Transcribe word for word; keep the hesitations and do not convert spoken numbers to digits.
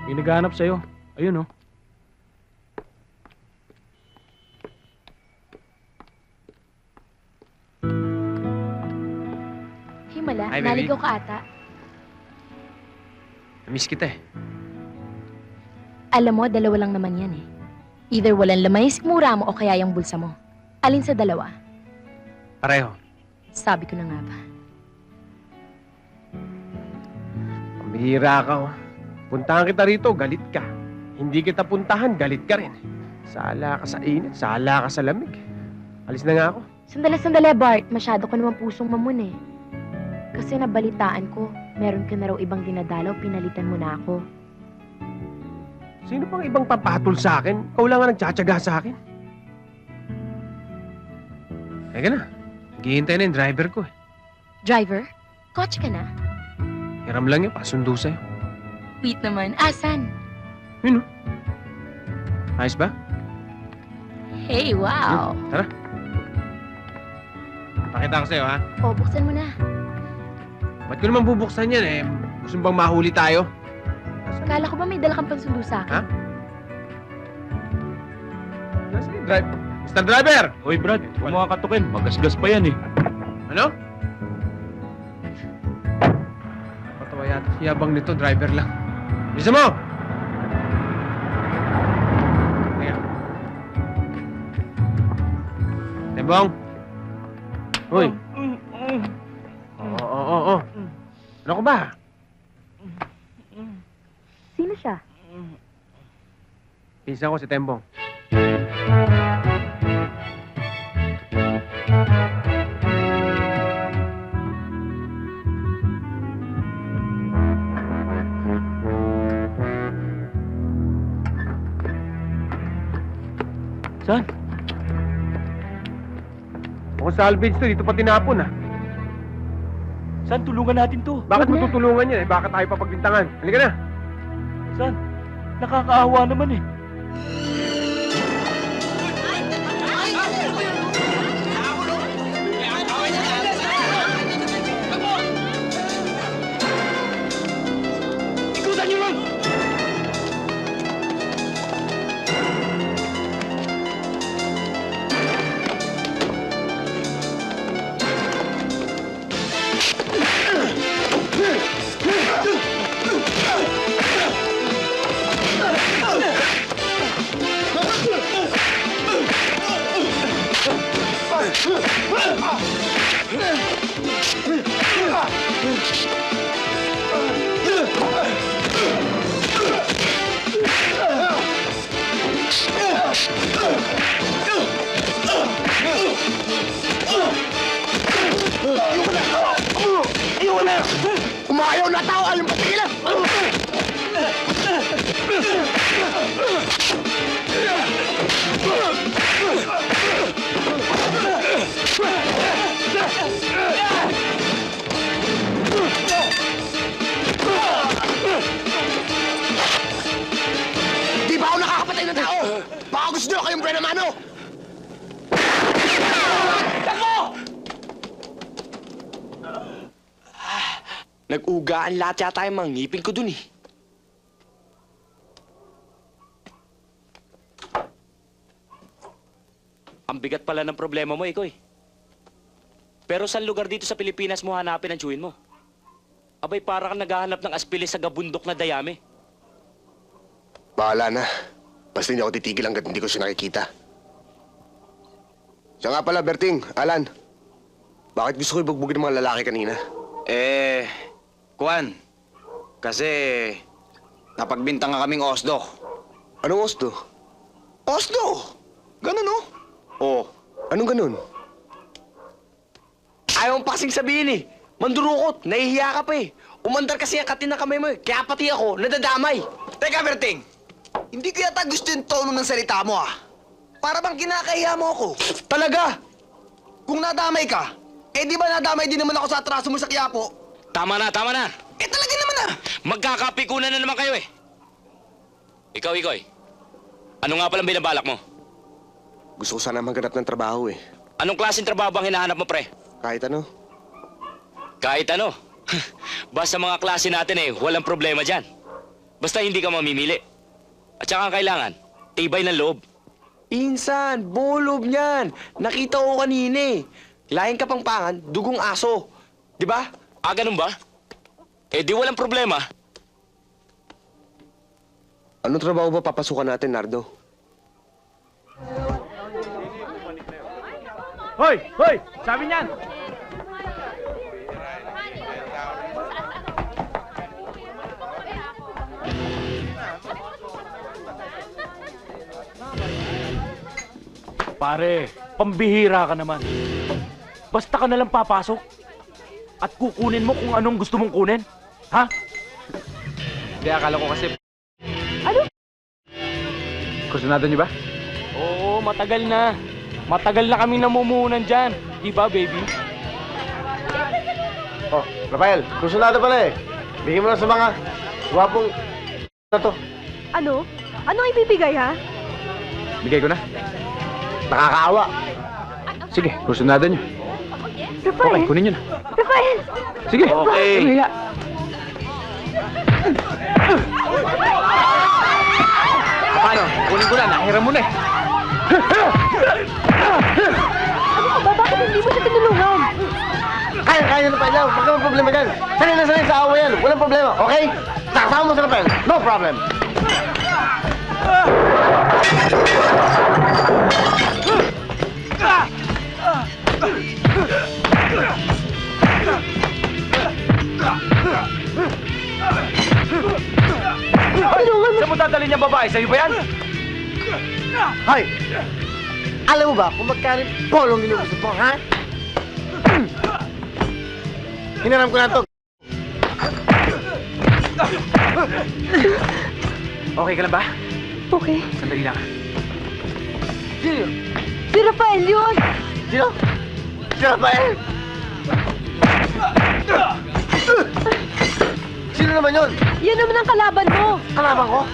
May naghahanap sa'yo. Ayun, oh. Himala, Hi, baby. naligaw ka ata. Namiss kita eh. Alam mo, dalawa lang naman yan eh. Either walang laman yung sikmura mo o kaya yung bulsa mo. Alin sa dalawa? Pareho. Sabi ko na nga ba. Pambihira ka, oh. Puntahan kita rito, galit ka. Hindi kita puntahan, galit ka rin. Sala ka sa init, sala ka sa lamig. Alis na nga ako. Sandali, sandali, Bart. Masyado ka naman pusong mamun eh. Kasi nabalitaan ko, meron ka na raw ibang dinadalaw, pinalitan mo na ako. Sino pang ibang papatol sa akin? Ikaw lang nga nagtsatsaga sa akin. Teka na. Naghihintay na yung driver ko eh. Driver? Kotse ka na? Hiram lang yun, pasundo sa'yo. Wait naman, asan? Yun oh. Ayos ba? Hey, wow! Tara. Pakita ko sa'yo ha. O, buksan mo na. Ba't ko naman bubuksan yan eh? Gusto mo bang mahuli tayo? Kala ko ba may dala kang pansundo sa akin? Ha? Nasaan yung drive? Mister Driver! Hoy, Brad. Huwag mo kakatukin. Magasgas pa yan, eh. Ano? Patawa yata si yabang nito, driver lang. Bisa mo! Teka. Tembong! Hoy! Oo, oo, oo, oo. Ano ko ba? Sino siya? Pinsan ko si Tembong. Saan? Kung salvage to, dito pa tinapon, ah. Saan? Tulungan natin to. Bakit Wag mo na. tutulungan yan, eh? Bakit tayo papagbintangan? Halika na. Saan? Nakakaawa naman, eh. Ikutan niyo, ma'am! Iwan na! Umayaw na tao! Alam patigilan! Di ba ako nakakapatay ng tao? Baka gusto nyo kayong Brenna Mano! Nag-ugaan lahat yata yung mga ngipin ko dun eh. Ang bigat pala ng problema mo, Ikoy. Pero saan lugar dito sa Pilipinas mo hanapin ang chewin mo? Abay, para kang naghahanap ng aspilis sa gabundok na dayami. Bahala na. Basta hindi ako titigil hanggat hindi ko siya nakikita. Siya nga pala, Berting, Alan. Bakit gusto ko ibugbugin ng mga lalaki kanina? Eh, Kuan, kasi napagbintang nga kaming Osdo. Anong Osdo? Osdo! Ganun, no? Oo. Anong ganun? Ayaw mong pasing sabihin eh. Mandurukot, nahihiya ka pa eh. Umandar kasi ang katin ng kamay mo eh. Kaya pati ako, nadadamay. Teka, Berting. Hindi ko yata gusto yung tono ng salita mo, ah. Para bang kinakahiya mo ako. Talaga? Kung nadamay ka, eh di ba nadamay din naman ako sa atraso mo sa Quiapo? Tama na, tama na. Eh talaga naman, ah. Magkakapikunan na naman kayo eh. Ikaw, Ikoy. Ano nga palang binabalak mo? Gusto ko sana maghanap ng trabaho eh. Anong klaseng trabaho bang hinahanap mo, pre? Kahit ano. Kahit ano. Basta mga klase natin eh, walang problema dyan. Basta hindi ka mamimili. At saka ang kailangan, tibay ng loob. Insan, bolob niyan. Nakita ko kanina eh. Laing kapangpangan, dugong aso. Di ba? Ah, ganun ba? Eh di walang problema. Anong trabaho ba papasukan natin, Nardo? Hoy! Hoy! Sabi niyan! Pare, pambihira ka naman. Basta ka nalang papasok at kukunin mo kung anong gusto mong kunin. Ha? Hindi, akala ko kasi... Ano? Kursunado niyo ba? Oo, matagal na. Matagal na kaming namumuhunan dyan. Di ba, baby? Oh, Rafael, kursunado pala eh. Bigyan mo na sa mga gwapong na to. Ano? Ano ang ibibigay, ha? Bigay ko na. Nakakaawa. Sige, kursunado niyo. Rafael? Okay, kunin niyo na. Rafael! Sige. Okay. Sige. Paano? Kunin ko na. Nahiram mo na eh. Ano ka ba? Bakit hindi mo siya tinulungan? Kaya, kaya na Rafael. Huwag naman problema dyan. Sanay na sanay sa awa yan. Walang problema, okay? Sakasama mo sa Rafael. No problem. Saan mo dadalhin niya babae? Sa'yo ba yan? Hoy! Alam mo ba kung magkano yung polong ginugusto mo, ha? Hinaram ko na to. Okay ka lang ba? Okay. Sandali lang. Sino? Si Rafael yun! Sino? Si Rafael! Sino naman yun? Yan naman ang kalaban mo! Kalaban ko?